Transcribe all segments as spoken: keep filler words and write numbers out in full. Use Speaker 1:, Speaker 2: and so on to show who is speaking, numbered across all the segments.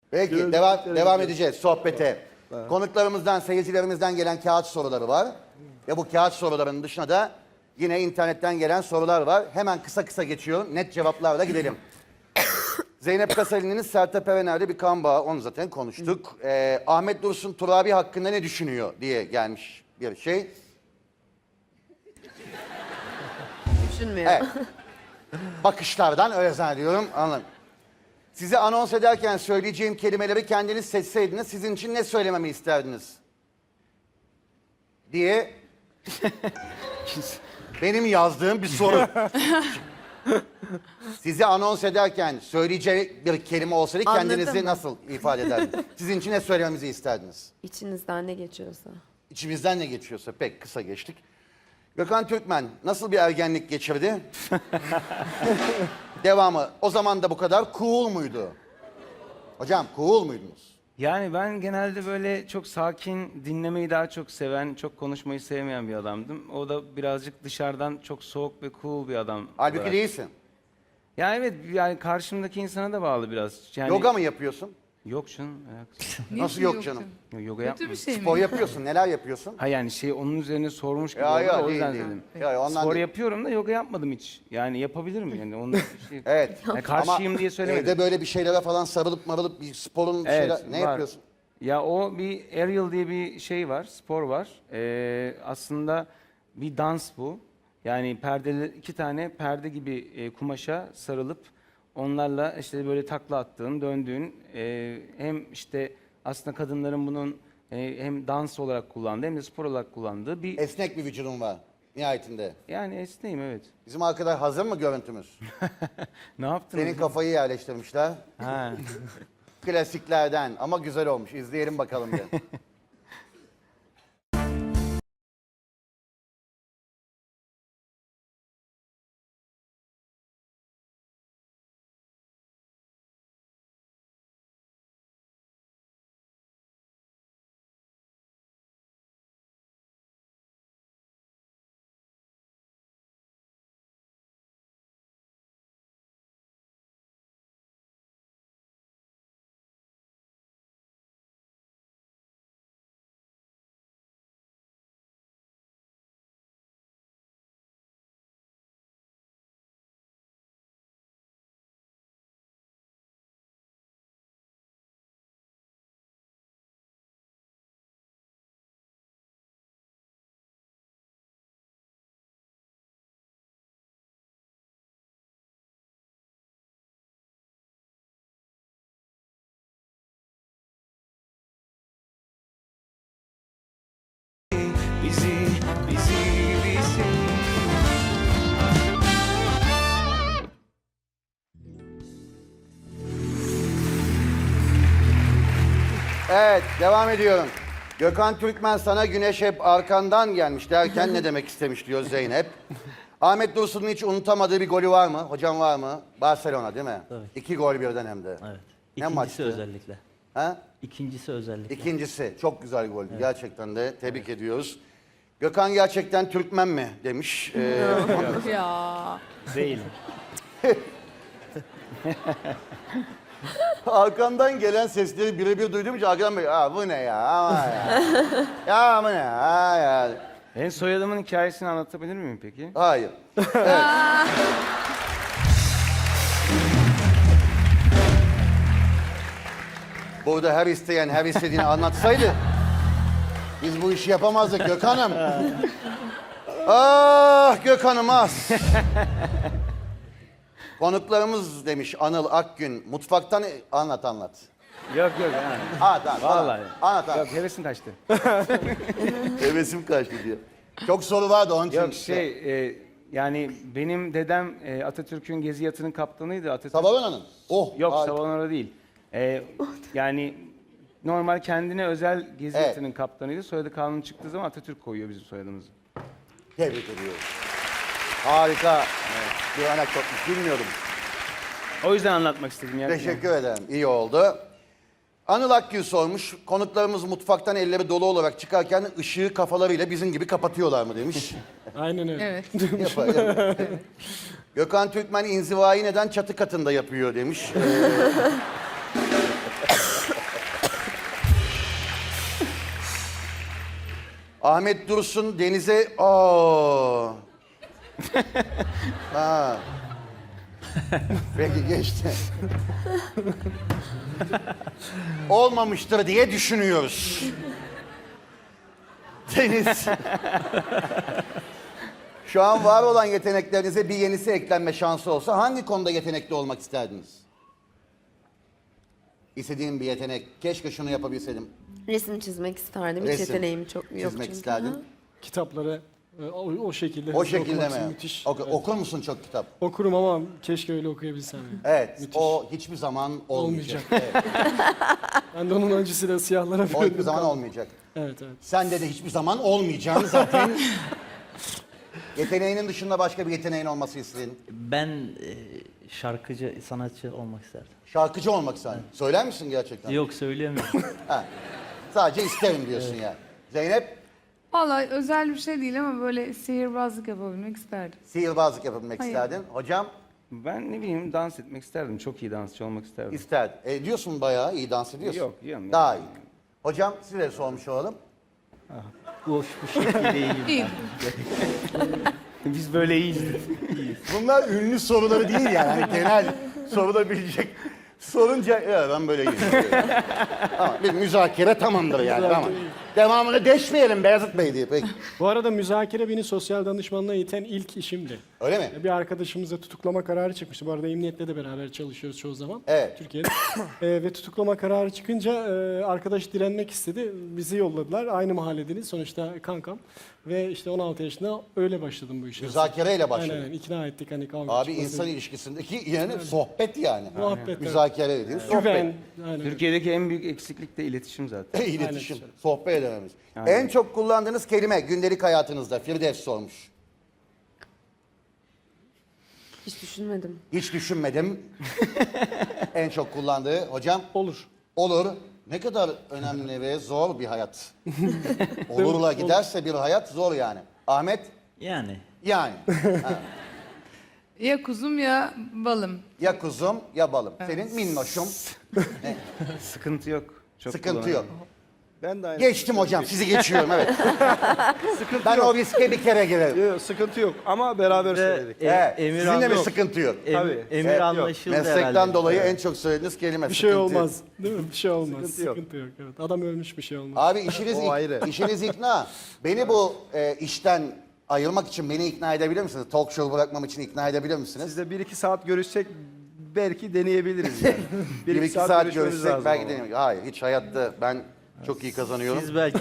Speaker 1: Peki
Speaker 2: Gördüm,
Speaker 1: devam,
Speaker 2: gördüm.
Speaker 1: devam edeceğiz sohbete. Konuklarımızdan, seyircilerimizden gelen kağıt soruları var. Ve bu kağıt sorularının dışında da yine internetten gelen sorular var. Hemen kısa kısa geçiyorum. Net cevaplarla gidelim. Zeynep Kasali'nin Sertab Erener'de bir kan bağı. Onu zaten konuştuk. Ee, Ahmet Dursun Turabi hakkında ne düşünüyor diye gelmiş bir şey.
Speaker 3: Düşünmüyor.
Speaker 1: Evet. Bakışlardan öyle zannediyorum. Anladım. Size anons ederken söyleyeceğim kelimeleri kendiniz seçseydiniz sizin için ne söylememi isterdiniz? Diye benim yazdığım bir soru. Sizi anons ederken söyleyeceği bir kelime olsaydı
Speaker 3: Anladım.
Speaker 1: kendinizi nasıl ifade ederdiniz? Sizin için ne söylememizi isterdiniz?
Speaker 3: İçinizden ne geçiyorsa.
Speaker 1: İçimizden ne geçiyorsa pek kısa geçtik. Gökhan Türkmen nasıl bir ergenlik geçirdi? Devamı. O zaman da bu kadar cool muydu? Hocam cool muydunuz?
Speaker 2: Yani ben genelde böyle çok sakin, dinlemeyi daha çok seven, çok konuşmayı sevmeyen bir adamdım. O da birazcık dışarıdan çok soğuk ve cool bir adam.
Speaker 1: Halbuki
Speaker 2: olarak.
Speaker 1: değilsin.
Speaker 2: Ya evet, yani karşımdaki insana da bağlı biraz. Yani,
Speaker 1: Yoga mı yapıyorsun?
Speaker 2: Yok canım. alakası yok.
Speaker 1: Nasıl yok canım?
Speaker 2: Yo- Yoga
Speaker 4: Kötü
Speaker 2: yapmıyorum.
Speaker 4: bir şey mi?
Speaker 1: Spor yapıyorsun. Neler yapıyorsun?
Speaker 2: Ha yani şey onun üzerine sormuş gibi
Speaker 1: Ya,
Speaker 2: oldu
Speaker 1: ya,
Speaker 2: da o
Speaker 1: değil,
Speaker 2: yüzden
Speaker 1: değil.
Speaker 2: dedim.
Speaker 1: Ya, ondan
Speaker 2: Spor
Speaker 1: değil.
Speaker 2: yapıyorum da yoga yapmadım hiç. Yani yapabilirim yani. Onun bir şey.
Speaker 1: Evet.
Speaker 2: Yani karşıyım
Speaker 1: Ama
Speaker 2: diye söylemedim.
Speaker 1: evde böyle bir şeylere falan sarılıp marılıp bir sporun
Speaker 2: Evet,
Speaker 1: şeyler... Ne
Speaker 2: var.
Speaker 1: yapıyorsun?
Speaker 2: Ya o bir aerial diye bir şey var, spor var. Ee, aslında bir dans bu. Yani perdeli iki tane perde gibi e, kumaşa sarılıp onlarla işte böyle takla attığın, döndüğün e, hem işte aslında kadınların bunun e, hem dans olarak kullandığı hem de spor olarak kullandığı bir
Speaker 1: Esnek bir vücudun var nihayetinde.
Speaker 2: yani esneyim evet.
Speaker 1: Bizim arkadaş hazır mı görüntümüz?
Speaker 2: Ne yaptınız?
Speaker 1: Senin kafayı yerleştirmişler.
Speaker 2: Ha.
Speaker 1: Klasiklerden ama güzel olmuş. İzleyelim bakalım bir.
Speaker 2: Bizi, bizi, bizi.
Speaker 1: Evet, devam ediyorum. Gökhan Türkmen sana güneş hep arkandan gelmiş derken ne demek istemiş diyor Zeynep. Ahmet Dursun'un hiç unutamadığı bir golü var mı? Hocam var mı? Barcelona değil mi?
Speaker 5: Tabii.
Speaker 1: İki gol birden hem de.
Speaker 5: Evet.
Speaker 1: Ne
Speaker 5: İkincisi
Speaker 1: maçtı?
Speaker 5: özellikle.
Speaker 1: Ha?
Speaker 5: İkincisi özellikle.
Speaker 1: İkincisi çok güzel goldü. Gerçekten de tebrik ediyoruz. Gökhan gerçekten Türkmen mi demiş. Ee,
Speaker 4: Ya.
Speaker 2: Değil.
Speaker 1: arkamdan gelen sesleri birebir duyduğum için arkadan böyle aa bu ne ya ama ya. Ya bu ne ya, ya.
Speaker 2: Ben soyadımın hikayesini anlatabilir miyim peki?
Speaker 1: Hayır. Evet. Burada her isteyen her istediğini anlatsaydı biz bu işi yapamazdık Gökhan'ım. Ah Gökhan'ım az. Konuklarımız demiş Anıl Akgün. Mutfaktan anlat anlat.
Speaker 2: Yok yok. Yani.
Speaker 1: Anlat anlat.
Speaker 2: Vallahi.
Speaker 1: Anlat anlat.
Speaker 2: Yok hevesim kaçtı.
Speaker 1: Hevesim kaçtı diyor. Çok soru vardı onun için.
Speaker 2: Yok şey e, yani benim dedem e, Atatürk'ün gezi yatının kaptanıydı. Atatürk...
Speaker 1: Savalana'nın. Oh.
Speaker 2: Yok
Speaker 1: harika.
Speaker 2: Savanora değil. E, yani normal kendine özel gezi
Speaker 1: Evet.
Speaker 2: yatının kaptanıydı. Soyadı kanun çıktığı zaman Atatürk koyuyor bizim soyadımızı.
Speaker 1: Tebrik ediyorum. Harika. Bir anekdotmuş bilmiyordum.
Speaker 2: O yüzden anlatmak istedim. Yani.
Speaker 1: Teşekkür ederim. İyi oldu. Anıl Akgül sormuş. Konuklarımız mutfaktan elleri dolu olarak çıkarken ışığı kafalarıyla bizim gibi kapatıyorlar mı demiş.
Speaker 6: Aynen öyle.
Speaker 4: Evet.
Speaker 1: Yapar, yapar. Gökhan Türkmen inzivayı neden çatı katında yapıyor demiş. Ee, Ahmet Dursun denize... Aa. Ha. Peki geçti. Olmamıştır diye düşünüyoruz. Deniz. Şu an var olan yeteneklerinize bir yenisi eklenme şansı olsa hangi konuda yetenekli olmak isterdiniz? İstediğim bir yetenek. Keşke şunu yapabilseydim.
Speaker 3: Resim çizmek isterdim. Hiç
Speaker 1: Resim
Speaker 3: yeteneğim çok yok
Speaker 1: Çizmek
Speaker 3: çünkü.
Speaker 1: isterdin.
Speaker 3: Aha.
Speaker 4: Kitapları e, o, o şekilde
Speaker 1: O
Speaker 4: hızlı
Speaker 1: şekilde
Speaker 4: okumak
Speaker 1: mi?
Speaker 4: müthiş.
Speaker 1: Oku-
Speaker 4: Evet.
Speaker 1: Okur musun çok kitap?
Speaker 4: Okurum ama keşke öyle okuyabilsem. yani.
Speaker 1: Evet.
Speaker 4: Müthiş.
Speaker 1: O hiçbir zaman olmayacak.
Speaker 4: Olmayacak.
Speaker 1: Evet,
Speaker 4: Ben de onun acısıyla siyahlara
Speaker 1: o hiçbir
Speaker 4: büründüm.
Speaker 1: zaman olmayacak.
Speaker 4: Evet evet.
Speaker 1: Sende de hiçbir zaman olmayacağını zaten... Yeteneğinin dışında başka bir yeteneğin olması istedin.
Speaker 5: Ben e, şarkıcı, sanatçı olmak isterdim.
Speaker 1: Şarkıcı olmak istedin. Söyler misin gerçekten?
Speaker 5: Yok söyleyemiyorum.
Speaker 1: Ha. Sadece isterim diyorsun ya. Zeynep,
Speaker 6: Vallahi özel bir şey değil ama böyle sihirbazlık yapabilmek isterdim.
Speaker 1: sihirbazlık yapabilmek
Speaker 6: Hayır.
Speaker 1: isterdin. Hocam,
Speaker 2: Ben ne bileyim dans etmek isterdim. Çok iyi dansçı olmak isterdim.
Speaker 1: isterdin. E, diyorsun bayağı iyi dans ediyorsun.
Speaker 2: Yok, yiyorum.
Speaker 1: Daha iyi. Hocam, size de sormuş olalım.
Speaker 5: Boş bu şekilde değilim.
Speaker 6: İyi.
Speaker 2: Biz böyle iyiyiz.
Speaker 1: Bunlar ünlü soruları değil yani. Hani genel sorulabilecek. Sorunca ya ben böyle iyiyim. Ama bir müzakere tamamdır yani. Tamam. Devamını deşmeyelim Beyazıt Bey diye. Peki.
Speaker 4: Bu arada müzakere beni sosyal danışmanlığa iten ilk işimdi.
Speaker 1: Öyle mi?
Speaker 4: Bir arkadaşımıza tutuklama kararı çıkmıştı. Bu arada emniyetle de beraber çalışıyoruz çoğu zaman.
Speaker 1: Evet.
Speaker 4: Türkiye'de. Ee, ve tutuklama kararı çıkınca e, arkadaş direnmek istedi. Bizi yolladılar. Aynı mahalledeniz. Sonuçta kankam. Ve işte on altı yaşında öyle başladım bu işe.
Speaker 1: Müzakereyle başladı.
Speaker 4: Aynen aynen. İkna ettik hani kavga
Speaker 1: Abi
Speaker 4: çıkmasın.
Speaker 1: insan ilişkisindeki yani sohbet yani.
Speaker 4: Muhabbet, evet.
Speaker 1: Müzakere ediyor. Sohbet.
Speaker 4: Güven. Aynen.
Speaker 2: Türkiye'deki en büyük eksiklik de iletişim zaten.
Speaker 1: İletişim,
Speaker 4: Aynen.
Speaker 1: sohbet edememiz.
Speaker 2: Aynen.
Speaker 1: En çok kullandığınız kelime gündelik hayatınızda Firdevs sormuş.
Speaker 3: Hiç düşünmedim.
Speaker 1: Hiç düşünmedim. En çok kullandığı hocam
Speaker 4: Olur.
Speaker 1: olur. Ne kadar önemli ve zor bir hayat. Olurla giderse bir hayat zor yani. Ahmet
Speaker 5: Yani
Speaker 1: yani. Ha.
Speaker 6: Ya kuzum ya balım.
Speaker 1: Ya kuzum ya balım. Senin minnoşum.
Speaker 2: Sıkıntı yok. Çok
Speaker 1: Sıkıntı yok.
Speaker 2: kullanıyorum.
Speaker 7: Ben de aynı.
Speaker 1: Geçtim hocam sizi geçiyorum evet. Ben o riske bir kere girerim.
Speaker 7: Yok, sıkıntı yok ama beraber
Speaker 5: Ve,
Speaker 7: söyledik.
Speaker 5: e,
Speaker 1: Evet.
Speaker 5: emir
Speaker 1: Sizinle mi
Speaker 5: anla-
Speaker 1: sıkıntı yok?
Speaker 5: em-
Speaker 7: Tabii.
Speaker 5: emir
Speaker 1: Evet, yok.
Speaker 5: anlaşıldı
Speaker 1: Meslekten
Speaker 5: herhalde.
Speaker 1: dolayı en çok söylediğiniz kelime
Speaker 4: Bir şey
Speaker 1: sıkıntı yok.
Speaker 4: olmaz. Değil mi? Bir şey olmaz.
Speaker 7: Sıkıntı yok.
Speaker 4: Sıkıntı yok. Evet. Adam ölmüş bir şey olmaz.
Speaker 1: Abi işiniz,
Speaker 7: O
Speaker 1: ik-
Speaker 7: ayrı.
Speaker 1: işiniz ikna. Beni bu e, işten ayırmak için beni ikna edebilir misiniz? Talk show bırakmam için ikna edebilir misiniz?
Speaker 7: Sizle bir iki saat görüşsek belki deneyebiliriz yani.
Speaker 1: Bir iki saat,
Speaker 7: görüşmemiz
Speaker 1: görüşsek
Speaker 7: lazım
Speaker 1: belki
Speaker 7: ama.
Speaker 1: deneyelim. Hayır hiç hayatta ben çok iyi kazanıyorum.
Speaker 5: Siz belki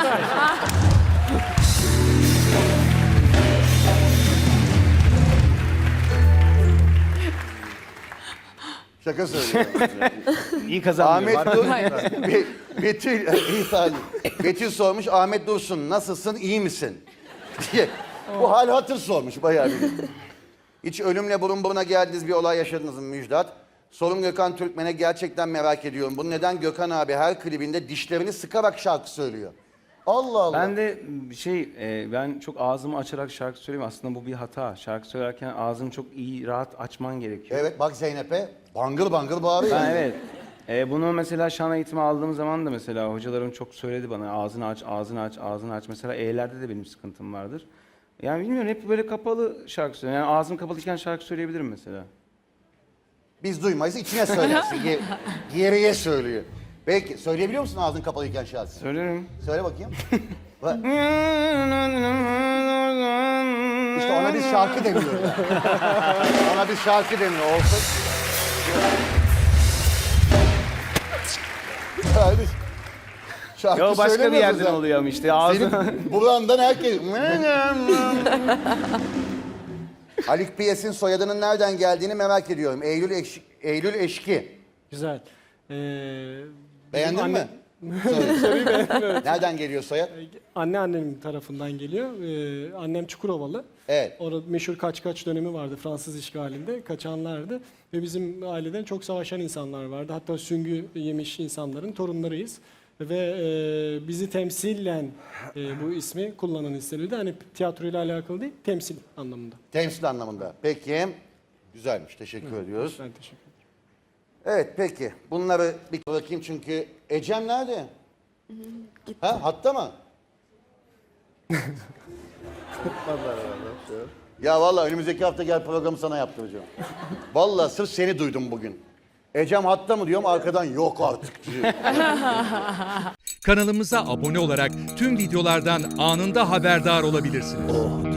Speaker 1: Şaka söylüyorum.
Speaker 2: İyi kazanmıyorum.
Speaker 1: Ahmet Dur, Be- Betül, iyi saniye. Betül sormuş Ahmet Dursun nasılsın iyi misin? diye. Bu hal hatır sormuş bayağı bir. Hiç ölümle burun buruna geldiğiniz bir olay yaşadınız mı Müjdat? Sorum Gökhan Türkmen'e gerçekten merak ediyorum. Bu neden Gökhan abi her klibinde dişlerini sıkarak şarkı söylüyor? Allah Allah.
Speaker 2: Ben de şey, e, ben çok ağzımı açarak şarkı söyleyeyim. Aslında bu bir hata. Şarkı söylerken ağzını çok iyi, rahat açman gerekiyor.
Speaker 1: Evet bak Zeynep'e bangır bangır bağırıyor.
Speaker 2: Ben evet. E, bunu mesela şan eğitimi aldığım zaman da mesela hocalarım çok söyledi bana ağzını aç, ağzını aç, ağzını aç. Mesela E'lerde de benim sıkıntım vardır. Yani bilmiyorum hep böyle kapalı şarkı söylüyorum. Yani ağzım kapalıyken şarkı söyleyebilirim mesela.
Speaker 1: Biz duymayız içine söylersin. Ge- geriye söylüyor. Peki söyleyebiliyor musun ağzın kapalıyken şarkı?
Speaker 2: Söylerim.
Speaker 1: Söyle bakayım. Bak. İşte ona biz şarkı demiyoruz. Ona biz şarkı demiyor. Olsun. Yani şarkı
Speaker 2: Ya başka bir
Speaker 1: söylemiyoruz
Speaker 2: yerden
Speaker 1: ya.
Speaker 2: oluyor ama işte ağzım.
Speaker 1: Senin burandan herkes... Haluk Piyes'in soyadının nereden geldiğini merak ediyorum. Eylül, Eş- Eylül Eşki.
Speaker 4: Güzel. Ee,
Speaker 1: Beğendin
Speaker 4: benim
Speaker 1: mi?
Speaker 4: anne-
Speaker 1: Soruyu Nereden geliyor soyad?
Speaker 4: Anne annemin tarafından geliyor. Ee, annem Çukurovalı.
Speaker 1: Evet.
Speaker 4: Orada meşhur kaç kaç dönemi vardı Fransız işgalinde. Kaçanlardı. Ve bizim aileden çok savaşan insanlar vardı. Hatta süngü yemiş insanların torunlarıyız. Ve e, bizi temsilen e, bu ismi kullanan istenildi. Hani tiyatroyla alakalı değil, temsil anlamında.
Speaker 1: Temsil anlamında. Peki. Güzelmiş. Teşekkür ediyoruz.
Speaker 4: Ben teşekkür ederim.
Speaker 1: Evet peki. Bunları bir bakayım çünkü Ecem nerede? Ha hatta mı? Ya vallahi önümüzdeki hafta gel programı sana yaptıracağım. Vallahi sırf seni duydum bugün. Ecem hatta mı diyorum arkadan yok artık diyor.
Speaker 8: Kanalımıza abone olarak tüm videolardan anında haberdar olabilirsiniz.